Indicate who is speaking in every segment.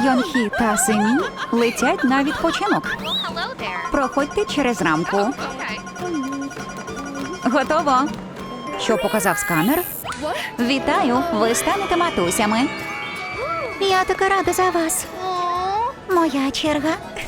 Speaker 1: Йонхі та Семі летять на відпочинок. Проходьте через рамку. Готово. Що показав сканер? Вітаю, ви станете матусями. Я така рада за вас. Моя черга.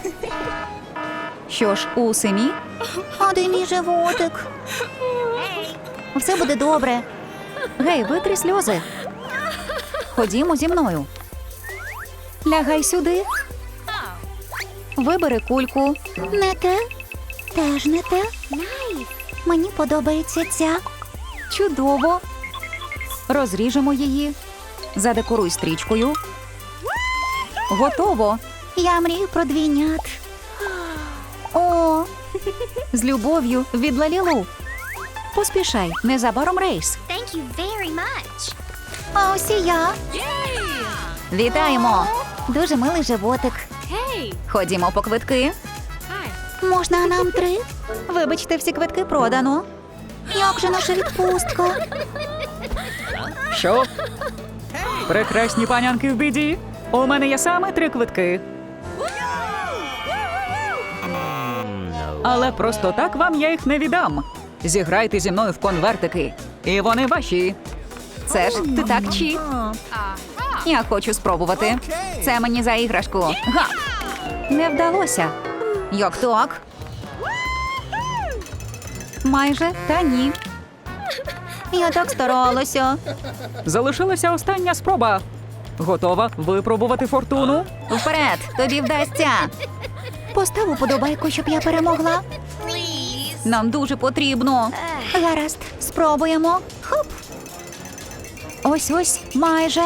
Speaker 1: Що ж, у Семі? А де мій животик? Все буде добре. Гей, витри сльози. Ходімо зі мною. Лягай сюди. Вибери кульку. Не те. Теж не те. Мені подобається ця. Чудово. Розріжемо її. Задекоруй стрічкою. Готово. Я мрію про двійнят. О, з любов'ю від Лалілу. Поспішай, незабаром рейс.
Speaker 2: Thank you very much.
Speaker 1: А ось і я. Вітаємо. Дуже милий животик.
Speaker 2: Hey.
Speaker 1: Ходімо по квитки. Можна нам 3? Вибачте, всі квитки продано. Як же наша відпустка? Що? Прекрасні панянки в біді. У мене є саме 3 квитки. Але просто так вам я їх не віддам. Зіграйте зі мною в конвертики. І вони ваші. Це ж ти так чіт. Я хочу спробувати. Це мені за іграшку. Га! Не вдалося. Як так? Майже, та ні. Я так старалася. Залишилася остання спроба. Готова випробувати фортуну? Вперед, тобі вдасться. Постав уподобайку, щоб я перемогла.
Speaker 2: Please.
Speaker 1: Нам дуже потрібно. Гаразд, спробуємо. Хоп. Ось-ось, майже.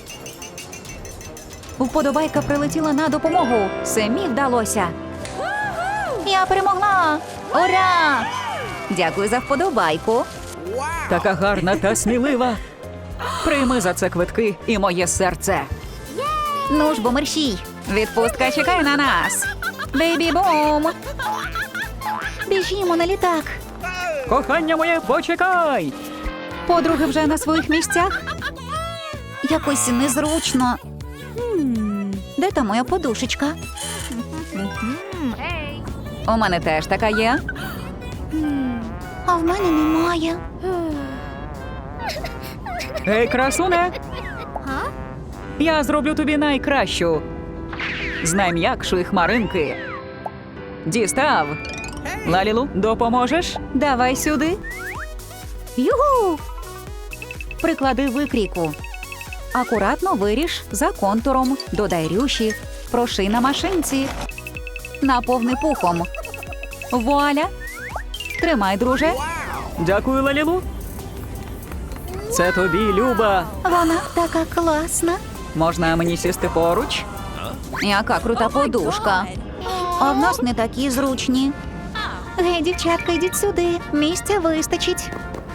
Speaker 1: Вподобайка прилетіла на допомогу. Семі вдалося. Я перемогла. Ура! Дякую за вподобайку. Така гарна та смілива. Прийми за це квитки і моє серце. Ну ж, бо мерщій. Відпустка чекає на нас. Бейбі-бум. Біжімо на літак. Кохання моє, почекай. Подруги вже на своїх місцях? Якось незручно. Де та моя подушечка?
Speaker 2: Hey.
Speaker 1: У мене теж така є. А в мене немає. Гей, красуне!
Speaker 2: Huh?
Speaker 1: Я зроблю тобі найкращу. З найм'якшої хмаринки. Дістав. Лалілу, допоможеш? Давай сюди. Югу! Приклади викрійку. Акуратно виріж за контуром. Додай рюші. Проши на машинці. Наповни пухом. Вуаля! Тримай, друже. Дякую, Лалілу. Це тобі, Люба. Вона така класна. Можна мені сісти поруч? Яка крута подушка. А в нас не такі зручні. Гей, дівчатка, йдіть сюди. Місця вистачить.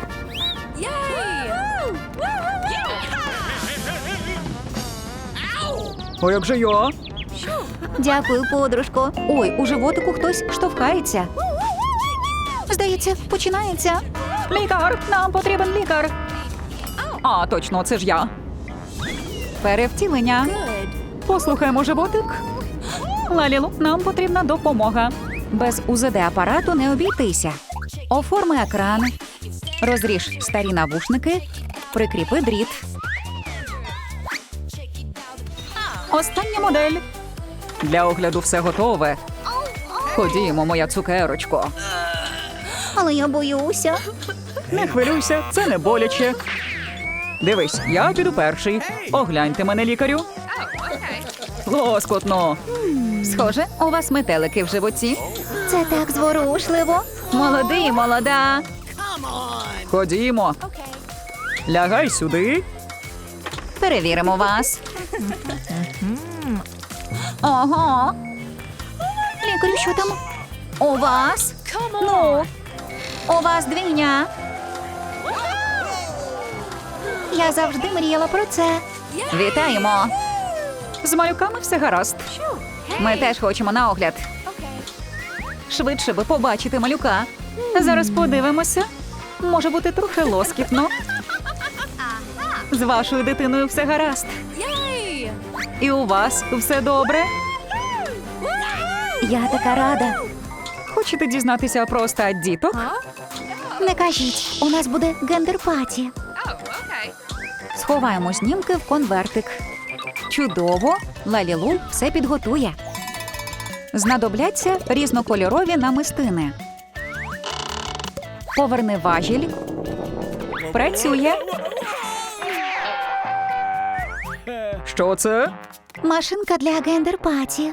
Speaker 1: А як же я? Дякую, подружко. Ой, у животику хтось штовхається. Здається, починається. Лікар! Нам потрібен лікар. А, точно, це ж я. Перевтілення. Послухаймо животик. Лалілу, нам потрібна допомога. Без УЗД-апарату не обійтися. Оформи екран. Розріж старі навушники. Прикріпи дріт. Остання модель. Для огляду все готове. Ходімо, моя цукерочко. Але я боюся. Не хвилюйся, це не боляче. Дивись, я піду перший. Огляньте мене, лікарю. Лоскотно. Схоже, у вас метелики в животі. Це так зворушливо. Молодий, молода. Ходімо. Лягай сюди. Перевіримо вас. Ого. Лікарю, що там? У вас? Ну, у вас двійня. Я завжди мріяла про це. Вітаємо. З малюками все гаразд. Ми теж хочемо на огляд. Швидше би побачити малюка. Зараз подивимося. Може бути трохи лоскітно. З вашою дитиною все гаразд. І у вас все добре?
Speaker 2: Я така рада.
Speaker 1: Хочете дізнатися про стать діток?
Speaker 2: Не кажіть, у нас буде гендер-паті.
Speaker 1: Сховаємо знімки в конвертик. Чудово! Лалілу все підготує. Знадобляться різнокольорові намистини. Поверни важіль. Працює. Що це?
Speaker 2: Машинка для гендер-паті.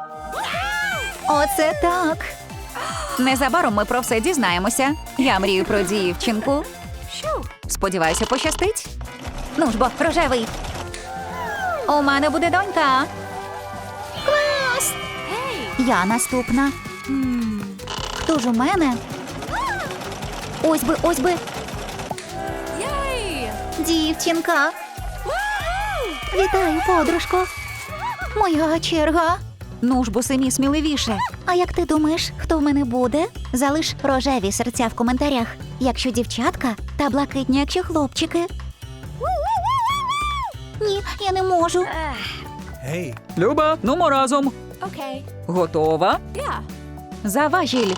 Speaker 1: Оце так. Незабаром ми про все дізнаємося. Я мрію про дівчинку. Сподіваюся, пощастить.
Speaker 2: Ну ж бо, рожевий.
Speaker 1: У мене буде донька.
Speaker 2: Клас! Я наступна. Хто ж у мене? Ось би, ось би. Дівчинка. Вітаю, подружко. Моя черга.
Speaker 1: Ну ж бо самі сміливіше.
Speaker 2: А як ти думаєш, хто в мене буде? Залиш рожеві серця в коментарях, якщо дівчатка, та блакитні, якщо хлопчики. Ні, я не можу.
Speaker 1: Люба, нумо разом.
Speaker 2: Окей.
Speaker 1: Готова? За важіль.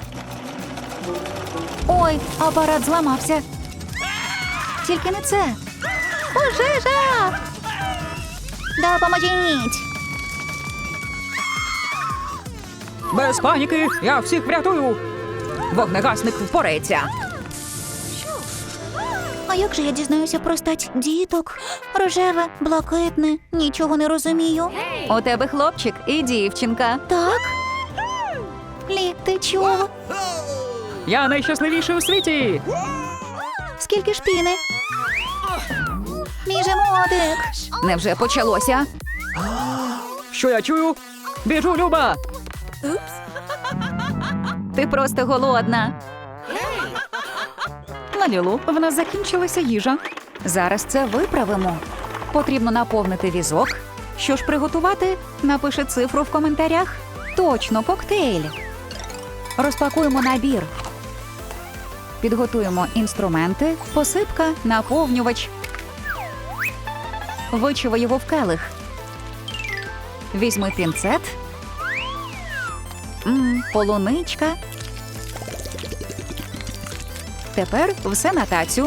Speaker 1: Ой, апарат зламався. Тільки не це.
Speaker 2: Пожежа! Допоможіть!
Speaker 1: Без паніки, я всіх врятую. Вогнегасник впорається.
Speaker 2: А як же я дізнаюся про стать діток? Рожеве, блакитне, нічого не розумію.
Speaker 1: У тебе хлопчик і дівчинка.
Speaker 2: Так? Лі, ти чого?
Speaker 1: Я найщасливіший у світі.
Speaker 2: Скільки ж піни? Мій животик.
Speaker 1: Невже почалося? Що я чую? Біжу, Люба! Ти просто голодна. Лалілу, в нас закінчилася їжа. Зараз це виправимо. Потрібно наповнити візок. Що ж приготувати? Напиши цифру в коментарях. Точно, коктейль. Розпакуємо набір. Підготуємо інструменти, посипка, наповнювач. Вичави його в келих. Візьми пінцет. Полуничка. Тепер все на тацю.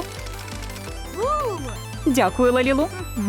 Speaker 1: Дякую, Лалілу.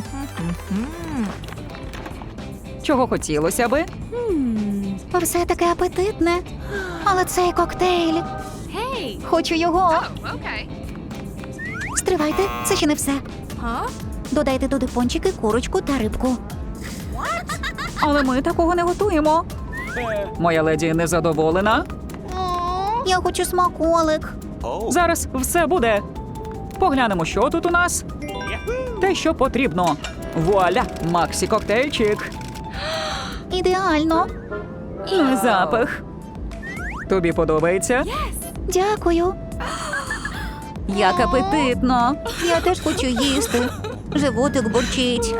Speaker 1: Чого хотілося би?
Speaker 2: Все таке апетитне. Але цей коктейль. Хочу його. Стривайте, це ще не все. Додайте туди пончики, курочку та рибку.
Speaker 1: Але ми такого не готуємо. Моя леді незадоволена.
Speaker 2: Я хочу смаколик.
Speaker 1: Зараз все буде. Поглянемо, що тут у нас. Те, що потрібно. Вуаля, Максі коктейльчик.
Speaker 2: Ідеально.
Speaker 1: Ну, запах. Тобі подобається?
Speaker 2: Дякую.
Speaker 1: Як апетитно.
Speaker 2: Я теж хочу їсти. Животик бурчить.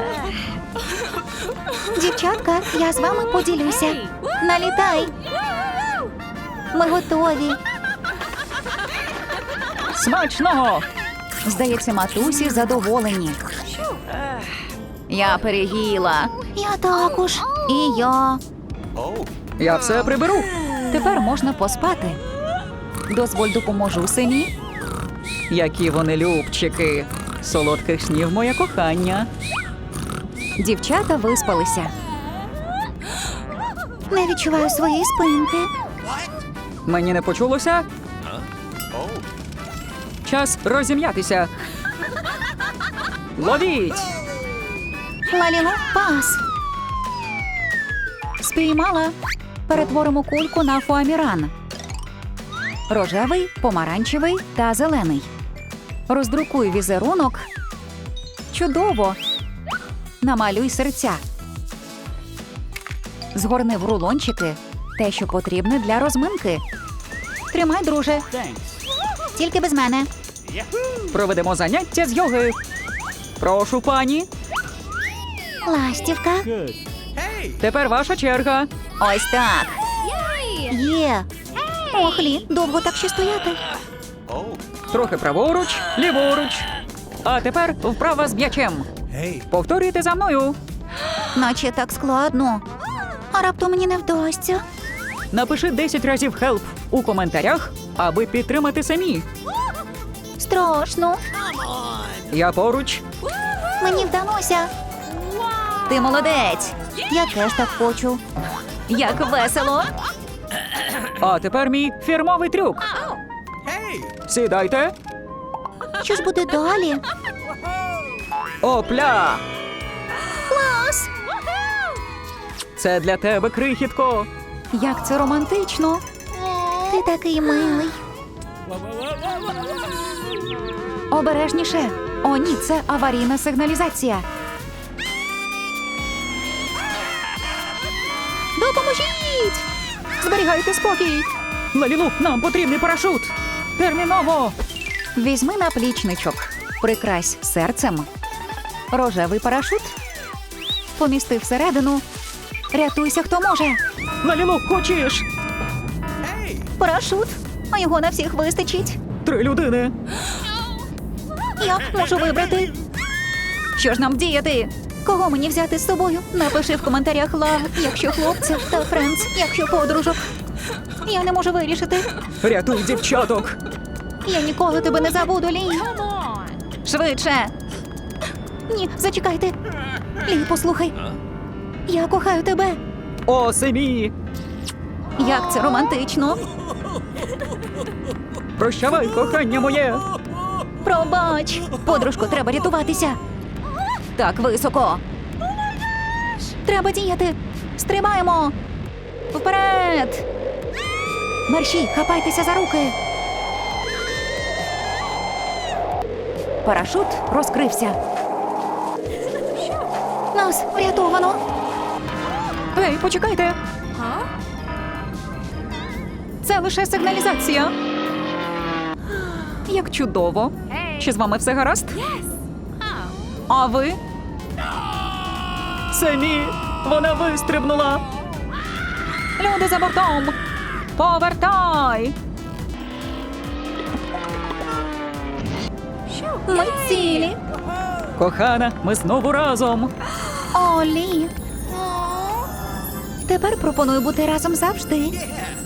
Speaker 2: Дівчатка, я з вами поділюся. Налітай. Ми готові.
Speaker 1: Смачного! Здається, матусі задоволені. Я переїла.
Speaker 2: Я також. І я.
Speaker 1: Я все приберу. Тепер можна поспати. Дозволь, допоможу сині. Які вони любчики. Солодких снів, моє кохання. Дівчата виспалися.
Speaker 2: Не відчуваю своєї спинки.
Speaker 1: Мені не почулося? Час розім'ятися. Ловіть!
Speaker 2: Лалілу, пас.
Speaker 1: Спіймала. Перетворимо кульку на фоаміран. Рожевий, помаранчевий та зелений. Роздрукуй візерунок. Чудово! Намалюй серця. Згорни в рулончики те, що потрібне для розминки. Тримай, друже.
Speaker 2: Тільки без мене.
Speaker 1: Проведемо заняття з йоги. Прошу, пані.
Speaker 2: Ластівка.
Speaker 1: Тепер ваша черга. Ось так.
Speaker 2: Є. Ох, Лі, довго так ще стояти.
Speaker 1: Трохи праворуч, ліворуч. А тепер вправа з м'ячем. Повторюйте за мною.
Speaker 2: Наче так складно. А раптом мені не вдасться.
Speaker 1: Напиши 10 разів «help» у коментарях, аби підтримати самі.
Speaker 2: Страшно.
Speaker 1: Я поруч.
Speaker 2: Мені вдалося.
Speaker 1: Ти молодець.
Speaker 2: Я теж так хочу.
Speaker 1: Як весело. А тепер мій фірмовий трюк. Сідайте.
Speaker 2: Що ж буде далі?
Speaker 1: Опля!
Speaker 2: Клас!
Speaker 1: Це для тебе, крихітко. Як це романтично.
Speaker 2: Ти такий милий.
Speaker 1: Обережніше. О, ні, це аварійна сигналізація.
Speaker 2: Допоможіть!
Speaker 1: Зберігайте спокій. Лалілу, нам потрібний парашут. Терміново. Візьми наплічничок. Прикрась серцем. Рожевий парашут. Помісти всередину. Рятуйся, хто може. Лалілу, хочеш?
Speaker 2: Парашут. А його на всіх вистачить.
Speaker 1: 3 людини.
Speaker 2: Я можу вибрати.
Speaker 1: Що ж нам вдіяти?
Speaker 2: Кого мені взяти з собою? Напиши в коментарях лав, якщо хлопців, та френдс, якщо подружок. Я не можу вирішити.
Speaker 1: Рятуй дівчаток.
Speaker 2: Я ніколи тебе не забуду, Лі.
Speaker 1: Швидше.
Speaker 2: Ні, зачекайте. Лі, послухай. Я кохаю тебе.
Speaker 1: О, Семі.
Speaker 2: Як це романтично.
Speaker 1: Прощавай, кохання моє.
Speaker 2: Пробач. Подружко, треба рятуватися.
Speaker 1: Так високо.
Speaker 2: Треба діяти. Стрибаємо. Вперед.
Speaker 1: Мерші, хапайтеся за руки. Парашут розкрився.
Speaker 2: Нас врятовано.
Speaker 1: Ей, почекайте. Це лише сигналізація. Як чудово. Чи з вами все гаразд? А ви? Семі, вона вистрибнула. Люди за бортом. Повертай.
Speaker 2: Ми цілі.
Speaker 1: Кохана, ми знову разом.
Speaker 2: О, Лі. Тепер пропоную бути разом завжди.